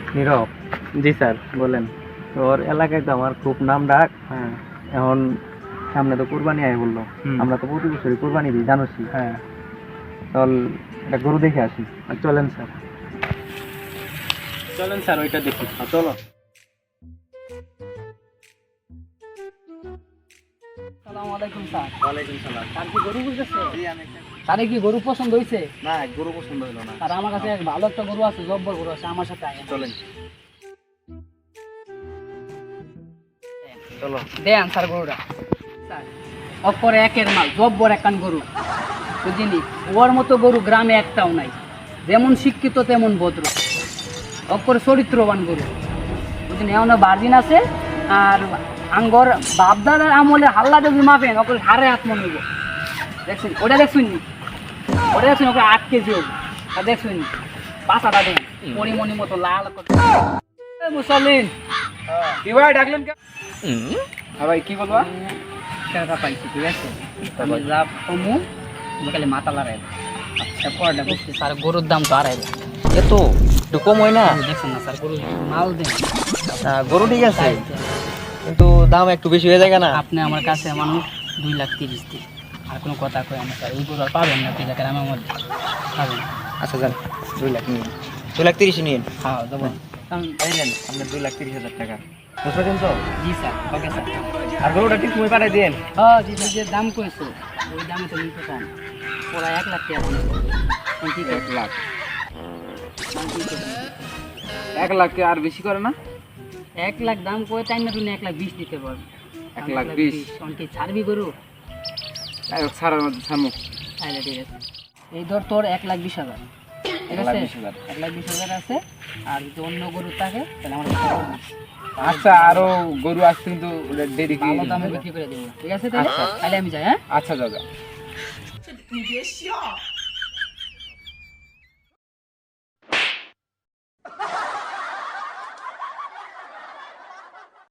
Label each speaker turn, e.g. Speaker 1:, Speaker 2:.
Speaker 1: নীরব,
Speaker 2: জি sir বলেন।
Speaker 1: তোর এলাকায় তো আমার খুব নাম ডাক।
Speaker 2: হ্যাঁ।
Speaker 1: এখন সামনে তো কুরবানি আয় বললো, আমরা তো প্রতি বছরই কুরবানি দিই জানোসই।
Speaker 2: হ্যাঁ,
Speaker 1: চল একটা গরু দেখে আসি।
Speaker 2: চলেন স্যার, চলেন স্যার ওইটা দেখি।
Speaker 1: চলো।
Speaker 3: আসসালামু আলাইকুম স্যার।
Speaker 1: ওয়ালাইকুম সালাম।
Speaker 3: স্যার কি গরু বুঝতেছে?
Speaker 1: জি, আমি
Speaker 3: স্যার কি গরু পছন্দ হয়েছে?
Speaker 1: না, গরু পছন্দ হলো না।
Speaker 3: আর আমার কাছে এক ভালো একটা গরু আছে, জব্বর গরু আছে, আমার সাথে আয়।
Speaker 1: চলেন। চলো।
Speaker 3: দেন স্যার গরুটা। স্যার অপরে একের মাল, জব্বর একখান গরু বুঝিনি। ওর মতো গরু গ্রামে একটাও নাই। যেমন শিক্ষিত তেমন ভদ্র, অপরে চরিত্রবান গরু বুঝিনি। এমন বার্জিন আছে আর আঙ্গর বাপদাদার আমলে হাল্লা যদি মাপেন ওকে হারে হাত মনে হইব। দেখছেন ওটা দেখছেন নি? ওটা দেখছেন ওকে 8 কেজি হবে। আর দেখছেন নি পাতাটা দেন পরিমণি মতো লাল করে। মুসলিন
Speaker 2: কি ভাই ডাকলেন কেন? হ্যাঁ ভাই কি বলবা?
Speaker 3: টাকা পাইছি, ঠিক আছে? আমি যা কমু খালি মাথা লড়াই। আচ্ছা পড়াটা বুঝছি স্যার, গরুর দাম তো 2.5 লাখ।
Speaker 1: এত একটু কম হয় না?
Speaker 3: দেখছেন না স্যার, গরু মাল দেন।
Speaker 1: গরু ঠিক আছে, কিন্তু দাম একটু বেশি হয়ে যায় না?
Speaker 3: আপনি আমার কাছে মানুষ 2,30,000 দিন, আর কোনো কথা কয় না স্যার। এই গরু আর পাবেন না 2 লাখের আমার মধ্যে পাবেন।
Speaker 1: আচ্ছা যান, 2 লাখ নিন, 2,30,000 নিন।
Speaker 3: হ্যাঁ দেবো।
Speaker 1: এই নেন আপনার 2,30,000 টাকা। বুঝতে তো?
Speaker 3: জি স্যার, ওকে স্যার।
Speaker 1: আর গরুটা ঠিক সময় পাঠাই দিন।
Speaker 3: হ্যাঁ জি স্যার, যে দাম কইছো ওই দামে তো নিতে চান। ওরা 1 লাখ টাকা বলে। কি
Speaker 2: 1 লাখ? 1 লাখ আর বেশি করে না?
Speaker 3: 1 লাখ দাম কই তাই না? তুমি 1,20,000 দিতে পারবে।
Speaker 2: 1,20,000?
Speaker 3: অনকি ছাড়বি গরু?
Speaker 2: ছাড়ার মধ্যে ছাড়মু।
Speaker 3: তাহলে ঠিক আছে, এই ধর তোর 1,20,000, ঠিক আছে?
Speaker 2: 1,20,000
Speaker 3: 1,20,000 আছে। আর যদি অন্য গরু থাকে তাহলে আমার কাছে বলবি।
Speaker 2: আচ্ছা, আরো গরু আসছে কিন্তু দেরি কি?
Speaker 3: ভালো দামে বিক্রি করে দেবো, ঠিক আছে? তাহলে তাহলে আমি যাই। হ্যাঁ
Speaker 2: আচ্ছা দাদা।